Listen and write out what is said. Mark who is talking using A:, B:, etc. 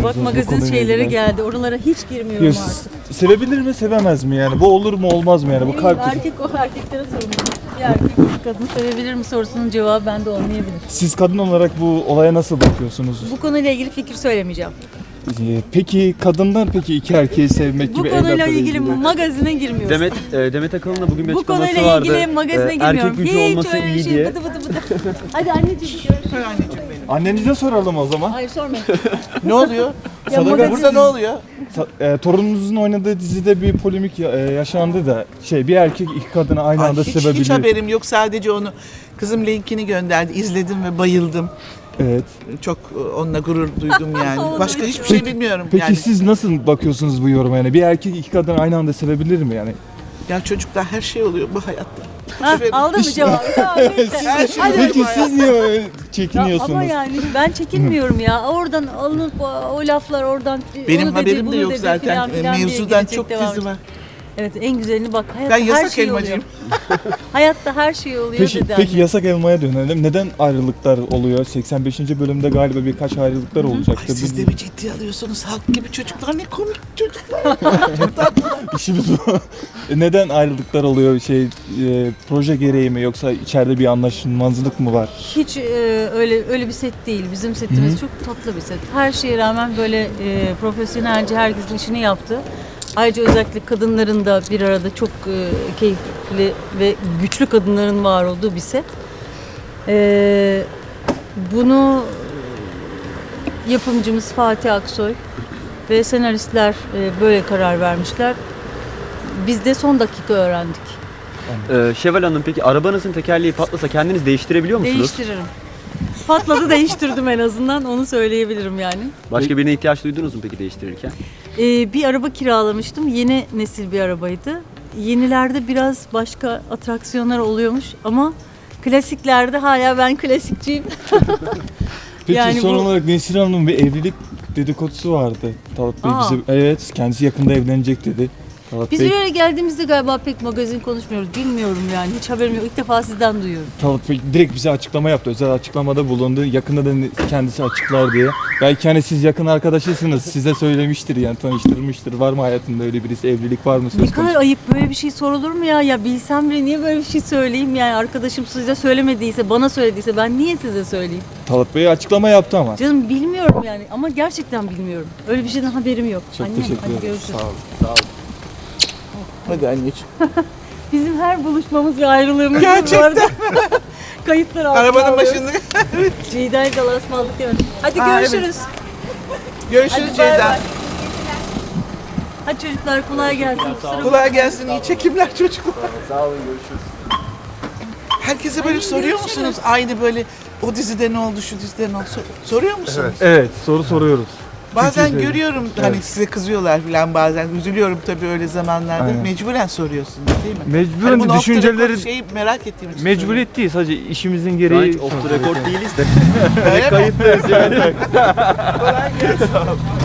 A: Bak
B: bu
A: magazin
B: konuyla
A: şeyleri
B: ilgili?
A: geldi. Oralara hiç girmiyorum
B: Ya,
A: artık.
B: sevebilir mi sevemez mi yani? Bu olur mu olmaz mı yani? Bu kalp...
A: Erkek o erkeklere sorumlu. Bir erkek bir kadın sevebilir mi sorusunun cevabı bende olmayabilir.
B: Siz kadın olarak bu olaya nasıl bakıyorsunuz?
A: Bu konuyla ilgili fikir söylemeyeceğim.
B: Peki kadından peki iki erkeği sevmek
A: Bu
B: gibi
A: konuyla
B: evlatla
A: ilgili magazine girmiyoruz.
C: Demet Akalın'la bugün bir
A: Bu
C: açıklaması
A: konuyla
C: vardı.
A: ilgili magazine girmiyorum.
C: Erkek gücü
A: Hiç
C: olması
A: öyle
C: iyi
A: şey
C: diye.
A: bıdı bıdı bıdı. Hadi anneciğim görüşürüz.
B: Annenize soralım o zaman.
A: Hayır sormayın.
D: Ne oluyor?
B: Sadaka-
A: magazin-
D: Burada ne oluyor?
B: Torununuzun oynadığı dizide bir polemik yaşandı da bir erkek iki kadını aynı anda
D: Hiç
B: sevebiliyor.
D: haberim yok. Sadece onu kızım linkini gönderdi. İzledim ve bayıldım.
B: Evet.
D: Çok onunla gurur duydum yani.
A: Oldu
D: Başka
A: bir
D: hiçbir
A: şey.
D: şey bilmiyorum
B: Peki
D: yani.
B: siz nasıl bakıyorsunuz bu yoruma yani? Bir erkek iki kadını aynı anda sevebilir mi yani?
D: Ya çocuklar her şey oluyor bu hayatta.
A: Ha,
D: Boş verin.
A: aldın mı cevabı? Tamam, bitti.
D: Her şey
A: Hadi.
D: oluyor
B: Peki
D: bu hayatta.
B: siz niye öyle
A: Ya
B: çekiniyorsunuz?
A: ama yani ben çekinmiyorum ya. Oradan alınıp o laflar oradan
D: Benim
A: onu dedi,
D: haberim de
A: bunu
D: yok
A: dedi
D: zaten.
A: filan filan diye
D: Mevzudan
A: gidecek,
D: çok
A: devam
D: dizi var.
A: Evet en güzelini bak. Hayatta
D: Ben
A: her
D: yasak
A: şey
D: elmacıyım.
A: oluyor. Hayatta her şey oluyor
B: Peki,
A: dedi
B: peki
A: anne.
B: yasak elmaya dönelim. Neden ayrılıklar oluyor? 85. bölümde galiba birkaç ayrılıklar olacaktı.
D: Ay siz de mi ciddi alıyorsunuz? Halk gibi çocuklar ne komik çocuklar.
B: İşimiz bu. Neden ayrılıklar oluyor? Proje gereği mi yoksa içeride bir anlaşmazlık mı var?
A: Hiç öyle bir set değil. Bizim setimiz çok tatlı bir set. Her şeye rağmen böyle profesyonelce herkesin işini yaptı. Ayrıca özellikle kadınların da bir arada çok keyifli ve güçlü kadınların var olduğu bir set. Bunu yapımcımız Fatih Aksoy ve senaristler böyle karar vermişler. Biz de son dakika öğrendik.
C: Şevval Hanım peki arabanızın tekerleği patlasa kendiniz değiştirebiliyor musunuz?
A: Değiştiririm. Patladı değiştirdim en azından onu söyleyebilirim yani.
C: Başka birine ihtiyaç duydunuz mu peki değiştirirken?
A: Bir araba kiralamıştım. Yeni nesil bir arabaydı. Yenilerde biraz başka atraksiyonlar oluyormuş ama klasiklerde hala ben klasikçiyim.
B: Peki
A: Yani
B: son
A: bu-
B: olarak Nesrin Hanım'ın bir evlilik dedikodusu vardı. Talat Bey
A: Aa.
B: bize, evet kendisi yakında evlenecek dedi. Talat
A: Biz
B: Bey,
A: bir yere geldiğimizde galiba pek magazin konuşmuyoruz. Bilmiyorum yani. Hiç haberim yok. İlk defa sizden duyuyorum.
B: Talat Bey direkt bize açıklama yaptı. Özel açıklamada bulundu. Yakında da kendisi açıklar diye. Belki hani siz yakın arkadaşısınız. Size söylemiştir yani tanıştırmıştır. Var mı hayatında öyle birisi? Evlilik var mı söz
A: Ne
B: konusu?
A: kadar ayıp böyle bir şey sorulur mu ya? Ya bilsem bile niye böyle bir şey söyleyeyim yani arkadaşım size söylemediyse, bana söylediyse ben niye size söyleyeyim?
B: Talat Bey açıklama yaptı ama.
A: Canım bilmiyorum yani ama gerçekten bilmiyorum. Öyle bir şeyden haberim yok.
B: Çok
A: Annem,
B: teşekkür
A: hadi
B: ederim.
A: görüşürüz.
B: Sağ olun. Sağ olun.
D: Hadi anneciğim.
A: Bizim her buluşmamız ve ayrılığımız
D: Gerçekten.
A: bu arada. Kayıtlar altına
D: Arabanın
A: alıyoruz.
D: başında.
A: Ciğda'yı galasmalık demedim. Hadi
D: Aa,
A: görüşürüz.
D: Görüşürüz
A: Hadi bay
D: Ceyda.
A: bay. Hadi çocuklar kolay gelsin. Kusura
D: Kolay gelsin. İyi çekimler çocuklar.
B: Sağ olun görüşürüz.
D: Herkese böyle soruyor musunuz? Aynı böyle o dizide ne oldu, şu dizide ne oldu? Soruyor musunuz?
B: Evet soru soruyoruz.
D: Bazen
B: Çünkü-
D: görüyorum hani
B: Evet.
D: size kızıyorlar falan bazen. Üzülüyorum tabii öyle zamanlarda.
B: Aynen.
D: Mecburen soruyorsunuz değil mi?
B: Mecburen
D: Hani bunu off the
B: düşünceleri
D: record şeyi merak ettiğim için
B: mecburiyet değil sadece işimizin
C: Şu an
B: gereği.
C: hiç off the record değiliz de.
D: soruyorum. Öyle mi?
B: Kayıttayız yani.
D: Kolay gelsin.